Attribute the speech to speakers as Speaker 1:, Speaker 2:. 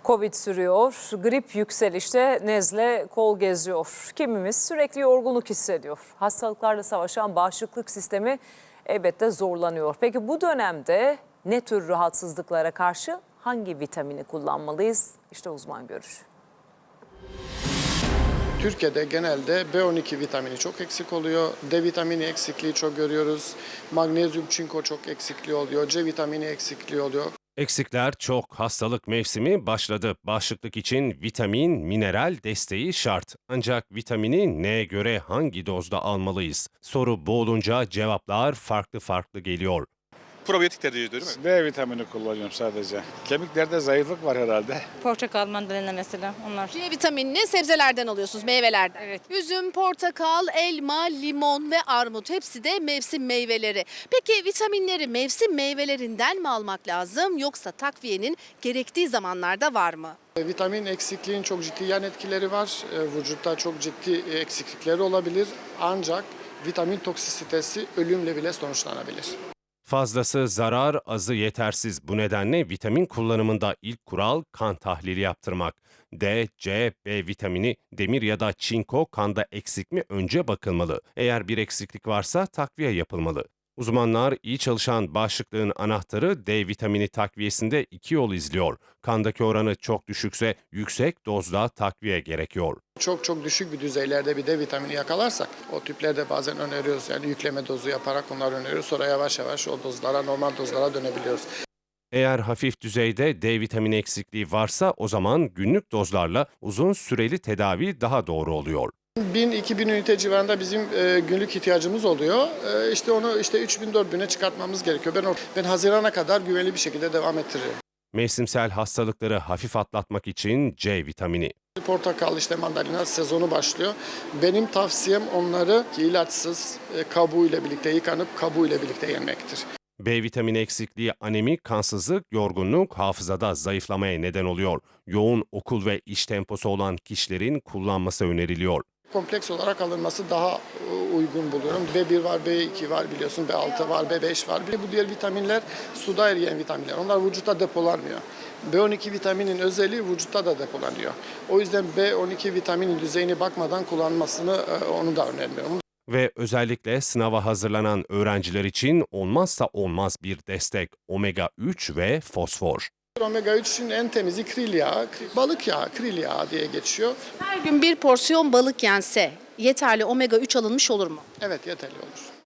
Speaker 1: Covid sürüyor, grip yükselişte, nezle kol geziyor. Kimimiz sürekli yorgunluk hissediyor. Hastalıklarla savaşan bağışıklık sistemi elbette zorlanıyor. Peki bu dönemde ne tür rahatsızlıklara karşı hangi vitamini kullanmalıyız? İşte uzman görüşü.
Speaker 2: Türkiye'de genelde B12 vitamini çok eksik oluyor. D vitamini eksikliği çok görüyoruz. Magnezyum, çinko çok eksikliği oluyor. C vitamini eksikliği oluyor.
Speaker 3: Eksikler çok. Hastalık mevsimi başladı. Bağışıklık için vitamin, mineral desteği şart. Ancak vitamini neye göre hangi dozda almalıyız? Soru bu olunca cevaplar farklı geliyor.
Speaker 4: Probiyotik tercih ediyor değil mi?
Speaker 5: D vitamini kullanıyorum sadece. Kemiklerde zayıflık var herhalde.
Speaker 6: Portakal, mandalina mesela onlar.
Speaker 7: C vitaminini sebzelerden alıyorsunuz, meyvelerden.
Speaker 6: Evet.
Speaker 7: Üzüm, portakal, elma, limon ve armut hepsi de mevsim meyveleri. Peki vitaminleri mevsim meyvelerinden mi almak lazım yoksa takviyenin gerektiği zamanlarda var mı?
Speaker 2: Vitamin eksikliğinin çok ciddi yan etkileri var. Vücutta çok ciddi eksiklikleri olabilir. Ancak vitamin toksisitesi ölümle bile sonuçlanabilir.
Speaker 3: Fazlası zarar, azı yetersiz. Bu nedenle vitamin kullanımında ilk kural kan tahlili yaptırmak. D, C, B vitamini, demir ya da çinko kanda eksik mi önce bakılmalı. Eğer bir eksiklik varsa takviye yapılmalı. Uzmanlar iyi çalışan bağışıklığın anahtarı D vitamini takviyesinde iki yol izliyor. Kandaki oranı çok düşükse yüksek dozda takviye gerekiyor.
Speaker 2: Çok düşük bir düzeylerde bir D vitamini yakalarsak o tüplerde bazen öneriyoruz. Yani yükleme dozu yaparak onları öneriyoruz. Sonra yavaş yavaş o dozlara, normal dozlara dönebiliyoruz.
Speaker 3: Eğer hafif düzeyde D vitamini eksikliği varsa o zaman günlük dozlarla uzun süreli tedavi daha doğru oluyor.
Speaker 2: 1000-2000 ünite civarında bizim günlük ihtiyacımız oluyor. İşte onu 3000-4000'e çıkartmamız gerekiyor. Ben Haziran'a kadar güvenli bir şekilde devam ettiririm.
Speaker 3: Mevsimsel hastalıkları hafif atlatmak için C vitamini.
Speaker 2: Portakal, mandalina sezonu başlıyor. Benim tavsiyem onları ilaçsız kabuğuyla birlikte yıkanıp kabuğuyla birlikte yenmektir.
Speaker 3: B vitamini eksikliği anemi, kansızlık, yorgunluk, hafızada zayıflamaya neden oluyor. Yoğun okul ve iş temposu olan kişilerin kullanması öneriliyor.
Speaker 2: Kompleks olarak alınması daha uygun buluyorum. B1 var, B2 var biliyorsun, B6 var, B5 var. Bir de bu diğer vitaminler suda eriyen vitaminler. Onlar vücutta depolanmıyor. B12 vitaminin özelliği vücutta da depolanıyor. O yüzden B12 vitaminin düzeyine bakmadan kullanmasını onu da önermiyorum.
Speaker 3: Ve özellikle sınava hazırlanan öğrenciler için olmazsa olmaz bir destek omega 3 ve fosfor.
Speaker 2: Omega 3'ün en temizi kril yağı, balık yağı, kril yağı diye geçiyor.
Speaker 7: Her gün bir porsiyon balık yense yeterli omega 3 alınmış olur mu?
Speaker 2: Evet, yeterli olur.